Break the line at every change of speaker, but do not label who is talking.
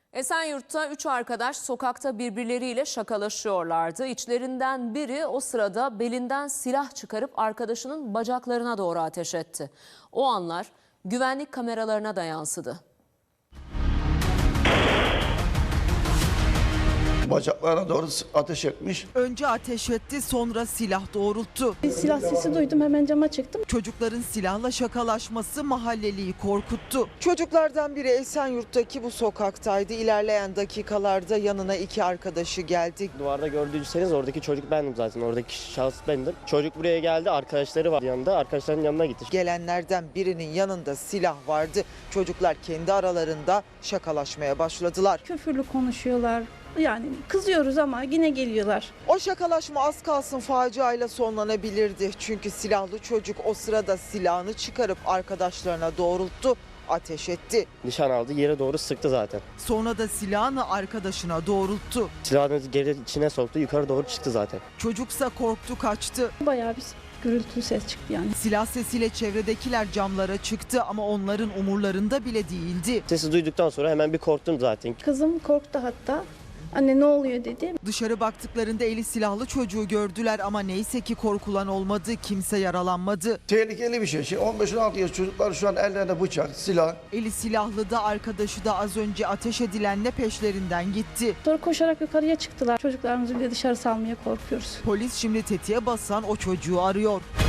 Esenyurt'ta 3 arkadaş sokakta birbirleriyle şakalaşıyorlardı. İçlerinden biri o sırada belinden silah çıkarıp arkadaşının bacaklarına doğru ateş etti. O anlar güvenlik kameralarına da yansıdı.
Bacaklarına doğru ateş etmiş.
Önce ateş etti, sonra silah doğrulttu.
Bir silah sesi duydum, hemen cama çıktım.
Çocukların silahla şakalaşması mahalleliyi korkuttu. Çocuklardan biri Esenyurt'taki bu sokaktaydı. İlerleyen dakikalarda yanına iki arkadaşı geldi.
Duvarda gördüyseniz oradaki çocuk bendim zaten. Oradaki şahıs bendim. Çocuk buraya geldi, arkadaşları var yanında. Arkadaşlarının yanına gitti.
Gelenlerden birinin yanında silah vardı. Çocuklar kendi aralarında şakalaşmaya başladılar.
Küfürlü konuşuyorlar. Yani kızıyoruz ama yine geliyorlar.
O şakalaşma az kalsın faciayla sonlanabilirdi. Çünkü silahlı çocuk o sırada silahını çıkarıp arkadaşlarına doğrulttu, ateş etti.
Nişan aldı, yere doğru sıktı zaten.
Sonra da silahını arkadaşına doğrulttu.
Silahını geri içine soktu, yukarı doğru çıktı zaten.
Çocuksa korktu, kaçtı.
Bayağı bir gürültü ses çıktı yani.
Silah sesiyle çevredekiler camlara çıktı ama onların umurlarında bile değildi.
Sesi duyduktan sonra hemen bir korktum zaten.
Kızım korktu hatta. Anne ne oluyor dedi.
Dışarı baktıklarında eli silahlı çocuğu gördüler ama neyse ki korkulan olmadı, kimse yaralanmadı.
Tehlikeli bir şey. 15-16 yaş çocuklar şu an ellerinde bıçak, silah.
Eli silahlı da arkadaşı da az önce ateş edilenle peşlerinden gitti.
Sonra koşarak yukarıya çıktılar. Çocuklarımızı bile dışarı salmaya korkuyoruz.
Polis şimdi tetiğe basan o çocuğu arıyor.